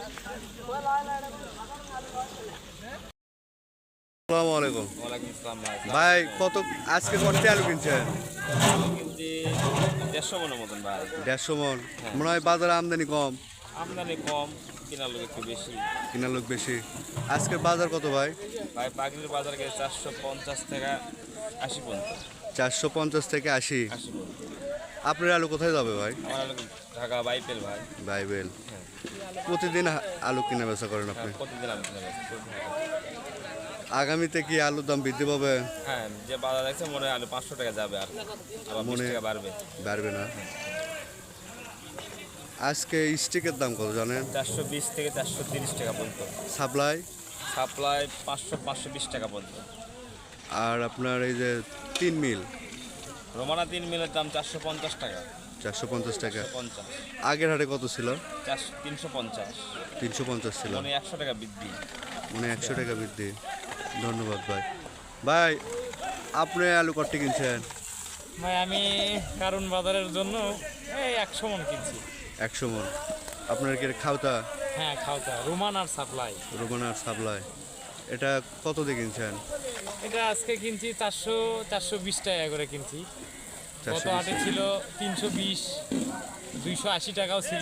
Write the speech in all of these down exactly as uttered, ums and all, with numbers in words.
আসসালামু আলাইকুম। ওয়ালাইকুম আসসালাম ভাই। ভাই কত আজকে কতটি আলু কিনছেন? আলু কিনছি দেড়শো মনের মতন ভাই। দেড়শো মন। হ্যাঁ। মনে হয় বাজারে আমদানি কম, আমদানি কম, কেনার লোক একটু বেশি। কিনার লোক বেশি। আজকের বাজার কত ভাই? ভাই পাখির বাজার গেছে চারশো পঞ্চাশ থেকে আশি পর্যন্ত। চারশো পঞ্চাশ থেকে আশি। আশি পর্যন্ত। আপনার আলু কোথায় যাবে ভাই? আমার আলু ঢাকা বাইপেল ভাই। বাইবেল। হ্যাঁ। প্রতিদিন হা- আলু কিনা বেচা করেন আপনি? হ্যাঁ, প্রতিদিন আমি কিনে বেচি, প্রতিদিন। আগামীতে কি আলুর দাম বৃদ্ধি পাবে? হ্যাঁ, যে বাজার দেখছে মনে হয় আলু পাঁচশো টাকা যাবে আর আবার বিশ মনে- টাকা বাড়বে। বাড়বে না। আজকে স্টিকের দাম কত জানেন? চারশো বিশ থেকে চারশো তিরিশ টাকা পর্যন্ত। সাপ্লাই সাপ্লাই পাঁচশো পাঁচশো বিশ টাকা পর্যন্ত। আর আপনার এই যে তিন মিল রোমানা তিন মিলের দাম চারশো পঞ্চাশ টাকা। চারশো পঞ্চাশ টাকা। পঞ্চাশ। আগের হাটে কত ছিল? চারশো তিনশো পঞ্চাশ। তিনশো পঞ্চাশ ছিল। মানে একশো টাকা বৃদ্ধি। মানে একশো টাকা বৃদ্ধি। ধন্যবাদ ভাই। ভাই আপনি আলু কতটি কিনছেন? ভাই আমি কারণ বাজারের জন্য এই একশো মন কিনছি। একশো মন। আপনার কি এটা খাওতা? হ্যাঁ খাওতা রোমান আর সাপ্লাই। রোমানার সাপ্লাই। এটা কত দিয়ে কিনছেন? এটা আজকে কিনছি চারশো চারশো বিশ টাকা করে কিনছি। গত চারশো হাটে বিশ। ছিল তিনশো বিশ, দুইশো আশি টাকাও ছিল।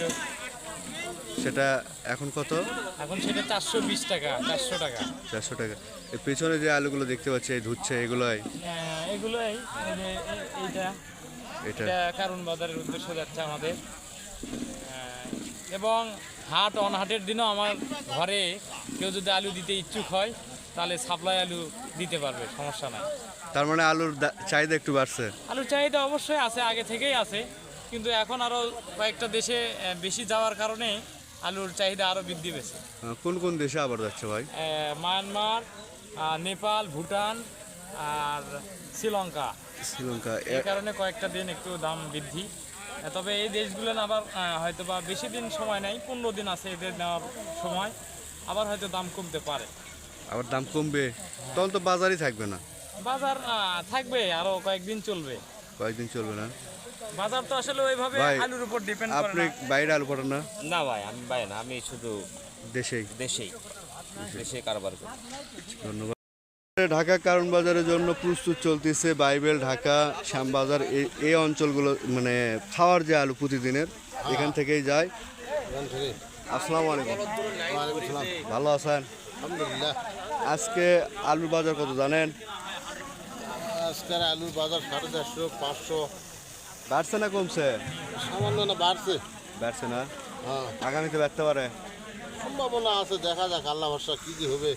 সেটা এখন কত? এখন সেটা চারশো বিশ টাকা, চারশো টাকা। চারশো টাকা। এর পেছনে যে আলুগুলো দেখতে পাচ্ছি এই ধুচ্ছে এগুলোই হ্যাঁ, এগুলোই এই যে এ- এইটা এটা এটা কারণ বাজারের উদ্দেশ্যে যাচ্ছে আমাদের। আহ, এবং হাট অনহাটের দিনও আমার ঘরে কেউ যদি আলু দিতে ইচ্ছুক হয় তাহলে সাপ্লাই আলু দিতে পারবে, সমস্যা নাই। তার মানে আলুর দা- চাহিদা একটু বাড়ছে। আলুর চাহিদা অবশ্যই আছে, আগে থেকেই আছে, কিন্তু এখন আরও কয়েকটা দেশে আহ, বেশি যাওয়ার কারণে আলুর চাহিদা আরও বৃদ্ধি পেয়েছে। আহ, কোন কোন দেশে আবার যাচ্ছে ভাই? আহ, মায়ানমার, আহ, নেপাল, ভুটান আর শ্রীলঙ্কা। শ্রীলঙ্কা। এই এ- কারণে কয়েকটা দিন একটু দাম বৃদ্ধি। আহ, তবে এই দেশগুলো আবার আহ, হয়তো বা বেশি দিন সময় নেই, পনেরো দিন আছে এদের নেওয়ার সময়, আবার হয়তো দাম কমতে পারে। আবার দাম কমবে, তখন তো বাজারই থাকবে না। বাজার আহ, থাকবে, আরও কয়েকদিন চলবে। কয়েকদিন চলবে না। বাজার তো আসলে ওইভাবে ভাই, আলুর উপর ডিপেন্ড করে আপনি না। বাইরে আলু পাঠান না? না ভাই, আমি ভাই না, আমি শুধু দেশেই। দেশেই দেশে কারবার করি। ধন্যবাদ। ঢাকা কারণ বাজারের জন্য প্রস্তুত চলতেছে বাইবেল, ঢাকা, শ্যামবাজার এই এই অঞ্চলগুলো, মানে খাওয়ার যে আলু প্রতিদিনের এখান থেকেই যায়। আসসালামু আলাইকুম। ভালো আছেন? আলহামদুলিল্লাহ। আজকে আলুর বাজার কত জানেন? আজকের আলুর বাজার সাড়ে চারশো পাঁচশো। বাড়ছে না কমছে? সামান্য না বাড়ছে। বাড়ছে না। হ্যাঁ, আগামীতে বাড়তে পারে। সম্ভাবনা আছে, দেখা যাক আল্লাহ ভরসা কী কী হবে।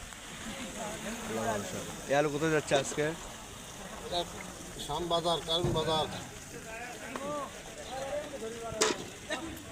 এই আলু কোথায় যাচ্ছে আজকে? এক শ্যাম বাজার, কারণ বাজার।